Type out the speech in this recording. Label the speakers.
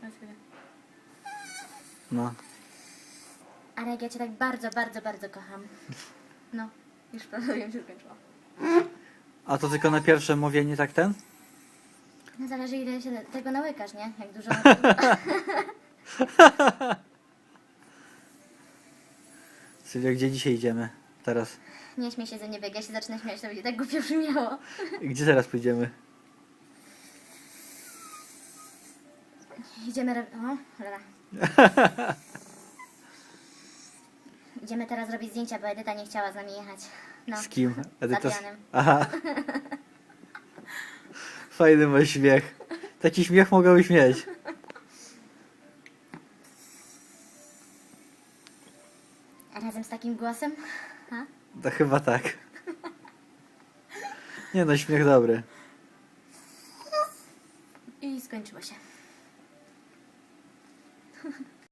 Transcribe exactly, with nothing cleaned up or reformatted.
Speaker 1: na chwilę.
Speaker 2: No.
Speaker 1: Ale jak ja cię tak bardzo, bardzo, bardzo kocham. No, już prawie się skończyło.
Speaker 2: A to tylko na pierwsze mówienie, tak ten?
Speaker 1: No zależy ile się tego nałykasz, nie? Jak dużo...
Speaker 2: Sylwia, gdzie dzisiaj idziemy? Teraz.
Speaker 1: Nie śmiej się ze mnie, jak ja się zacznę śmiać, to będzie tak głupio brzmiało.
Speaker 2: Gdzie teraz pójdziemy?
Speaker 1: Idziemy... ro- O, cholera. Idziemy teraz robić zdjęcia, bo Edyta nie chciała z nami jechać. No,
Speaker 2: Z kim? Edyta.
Speaker 1: z Adrianem.
Speaker 2: Aha. Fajny mój śmiech. Taki śmiech mogłabyś mieć.
Speaker 1: Razem z takim głosem? Ha?
Speaker 2: To chyba tak. Nie no, śmiech dobry.
Speaker 1: I skończyło się.